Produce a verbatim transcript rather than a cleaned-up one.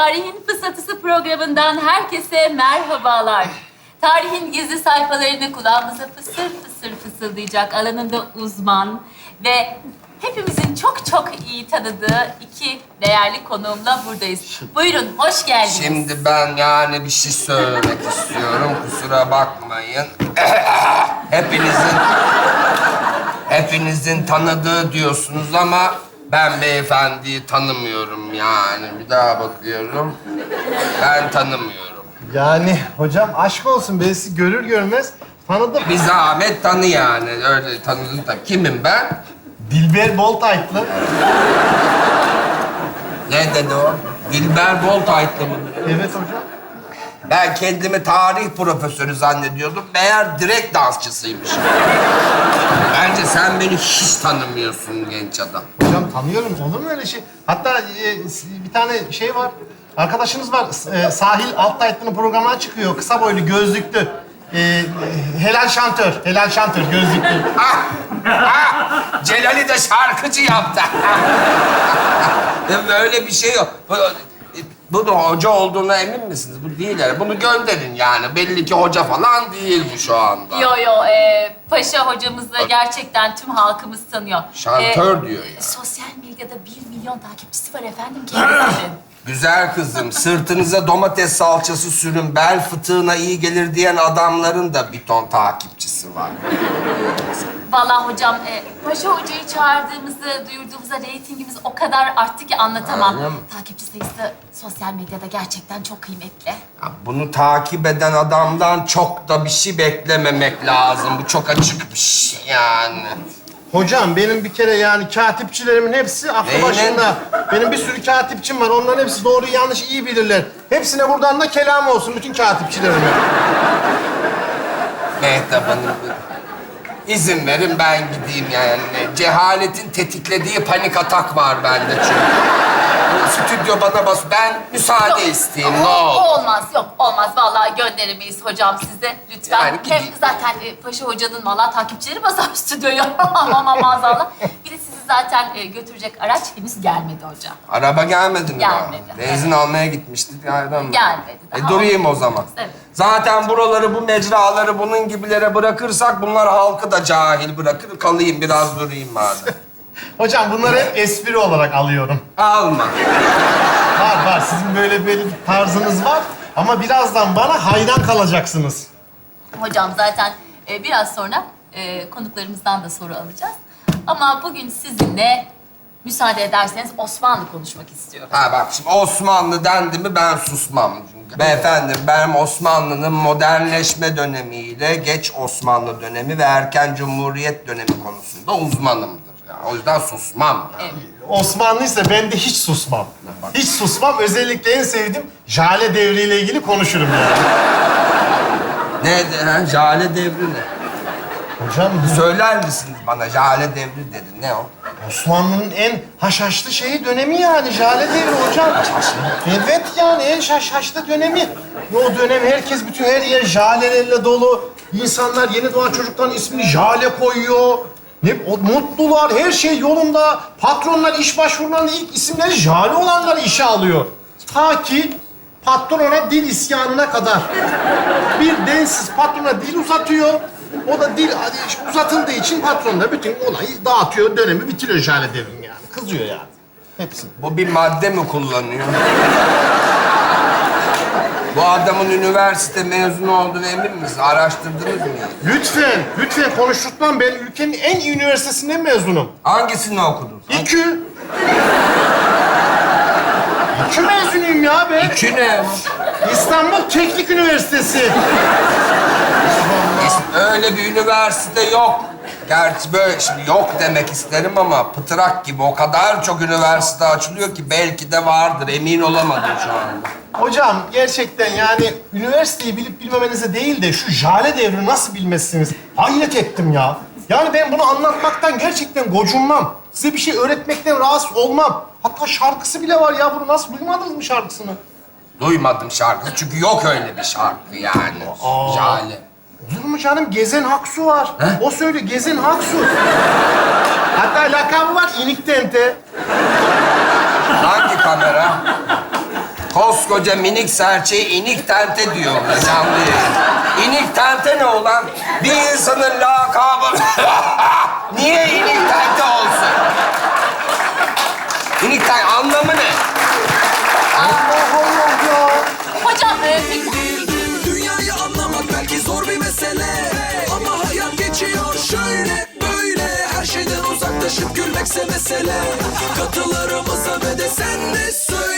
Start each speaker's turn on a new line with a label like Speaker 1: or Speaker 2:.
Speaker 1: Tarihin Fısıltısı programından herkese merhabalar. Tarihin gizli sayfalarını kulağımıza fısır fısır fısıldayacak alanında uzman ve hepimizin çok çok iyi tanıdığı iki değerli konuğumla buradayız. Buyurun, hoş geldiniz.
Speaker 2: Şimdi ben yani bir şey söylemek istiyorum. Kusura bakmayın. Hepinizin hepinizin tanıdığı diyorsunuz ama ben beyefendiyi tanımıyorum yani. Bir daha bakıyorum. Ben tanımıyorum.
Speaker 3: Yani hocam aşk olsun, ben sizi görür görmez tanıdım.
Speaker 2: Bir zahmet tanı yani. Öyle tanıdın tabii. Kimim ben?
Speaker 3: Dilber Boltaytlı.
Speaker 2: Ne dedi o? Dilber Boltaytlı mı?
Speaker 3: Evet hocam.
Speaker 2: Ben kendimi tarih profesörü zannediyordum. Meğer direkt dansçısıymış. Bence sen beni hiç tanımıyorsun genç adam.
Speaker 3: Hocam tanıyorum, olur mu öyle şey? Hatta e, bir tane şey var, arkadaşınız var. E, Sahil Alttaytlı'nın programına çıkıyor. Kısa boylu, gözlüklü. E, e, helal şantör, helal şantör, gözlüklü.
Speaker 2: Ah, ah, Celal'i de şarkıcı yaptı. Böyle bir şey yok. Bu, bu da hoca olduğuna emin misiniz? Bu değil yani. Bunu gönderin yani. Belli ki hoca falan değil bu şu anda.
Speaker 1: Yo yo, e, Paşa hocamızı gerçekten tüm halkımız tanıyor.
Speaker 2: Şantör diyor ya.
Speaker 1: Sosyal medyada bir milyon takipçisi var efendim kendisinin.
Speaker 2: Güzel kızım, sırtınıza domates salçası sürün, bel fıtığına iyi gelir diyen adamların da bir ton takipçisi var.
Speaker 1: Vallahi hocam, e, Paşa hocayı çağırdığımızı, duyurduğumuzda reytingimiz o kadar arttı ki anlatamam.
Speaker 2: Öyle mi?
Speaker 1: Takipçi sayısı sosyal medyada gerçekten çok kıymetli.
Speaker 2: Ya bunu takip eden adamdan çok da bir şey beklememek lazım. Bu çok açık bir şey yani.
Speaker 3: Hocam benim bir kere yani katipçilerimin hepsi aklı
Speaker 2: Neyle?
Speaker 3: başında. Benim bir sürü katipçim var. Onların hepsi doğru yanlış iyi bilirler. Hepsine buradan da kelam olsun bütün katipçilerime.
Speaker 2: Mehtap Hanım, izin verin ben gideyim yani. Cehaletin tetiklediği panik atak var bende çünkü. Bu stüdyo bana bas. Ben müsaade
Speaker 1: Yok,
Speaker 2: isteyeyim,
Speaker 1: o-
Speaker 2: ne olur.
Speaker 1: Olmaz, yok olmaz. Vallahi gönderemeyiz hocam size. Lütfen.
Speaker 2: Yani
Speaker 1: Hem
Speaker 2: gideyim.
Speaker 1: zaten e, Paşa hocanın vallahi takipçileri basar stüdyoya. Ama maazallah. Bir de sizi zaten e, götürecek araç henüz gelmedi hocam.
Speaker 2: Araba gelmedi mi? daha?
Speaker 1: Gelmedi.
Speaker 2: Benzin almaya gitmiştik yerden mi?
Speaker 1: Gelmedi
Speaker 2: E
Speaker 1: daha.
Speaker 2: durayım o zaman.
Speaker 1: Evet.
Speaker 2: Zaten buraları, bu mecraları bunun gibilere bırakırsak bunlar halkı da cahil bırakır. Kalayım biraz durayım madem.
Speaker 3: Hocam bunları hep espri olarak alıyorum.
Speaker 2: Alma.
Speaker 3: Var var, sizin böyle böyle bir tarzınız var. Ama birazdan bana hayran kalacaksınız.
Speaker 1: Hocam zaten e, biraz sonra e, konuklarımızdan da soru alacağız. Ama bugün sizinle müsaade ederseniz Osmanlı konuşmak istiyorum.
Speaker 2: Ha bak şimdi Osmanlı dendi mi ben susmam. Beyefendi ben Osmanlı'nın modernleşme dönemiyle geç Osmanlı dönemi ve erken Cumhuriyet dönemi konusunda uzmanımdır. Yani o yüzden susmam.
Speaker 1: Evet.
Speaker 3: Osmanlıysa ben de hiç susmam. Hiç susmam. Özellikle en sevdiğim Jale devriyle ilgili konuşurum yani.
Speaker 2: Ne de ha? Jale devri ne?
Speaker 3: Hocam
Speaker 2: Söyler misiniz bana? Jale devri dedi. Ne o?
Speaker 3: Osmanlı'nın en haşhaşlı şeyi dönemi yani Jale devri hocam. Evet yani en haşhaşlı dönemi. O dönem herkes bütün her yer jalelerle dolu. İnsanlar yeni doğan çocukların ismini Jale koyuyor. Ne o mutlular, her şey yolunda. Patronlar iş başvurularında ilk isimleri Jale olanları işe alıyor. Ta ki patrona dil isyanına kadar. Bir densiz patrona dil uzatıyor. O da dil uzatıldığı için patron da bütün olayı dağıtıyor, dönemi bitiriyor Jale devrim yani. Kızıyor yani. Hepsi.
Speaker 2: Bu bir madde mi kullanıyor? Bu adamın üniversite mezunu olduğunu emin misiniz? Araştırdınız mı?
Speaker 3: Lütfen, lütfen konuşturtmam. Ben ülkenin en iyi üniversitesinden mezunum.
Speaker 2: Hangisini okudun?
Speaker 3: İKÜ. İKÜ mezunuyum ya ben.
Speaker 2: İki ne?
Speaker 3: İstanbul Teknik Üniversitesi.
Speaker 2: Öyle bir üniversite yok. Gerçi böyle şimdi yok demek isterim ama pıtrak gibi o kadar çok üniversite açılıyor ki belki de vardır. Emin olamadım şu anda.
Speaker 3: Hocam gerçekten yani üniversiteyi bilip bilmemenize değil de şu Jale devrini nasıl bilmezsiniz? Hayret ettim ya. Yani ben bunu anlatmaktan gerçekten gocunmam. Size bir şey öğretmekten rahatsız olmam. Hatta şarkısı bile var ya. Bunu nasıl duymadınız mı şarkısını?
Speaker 2: Duymadım şarkısı çünkü yok öyle bir şarkı yani.
Speaker 3: Aa.
Speaker 2: Jale.
Speaker 3: Olur mu canım? Gezen Haksu var.
Speaker 2: He?
Speaker 3: O söylüyor. Gezen Haksu. Hatta lakabı var İnik Tente.
Speaker 2: Hangi kamera? Kos koskoca minik serçeğe inik tente diyorlar canlı yayın. İnik tente ne olan? Bir insanın lakabı... Niye inik tente olsun? İnik tente anlamı ne?
Speaker 3: Allah Allah ya.
Speaker 1: Hocam e, peki...
Speaker 4: Dünyayı anlamak belki zor bir mesele, ama hayat geçiyor şöyle böyle. Her şeyden uzaklaşıp gülmekse mesele. Katılarımıza ve de sen de söyle.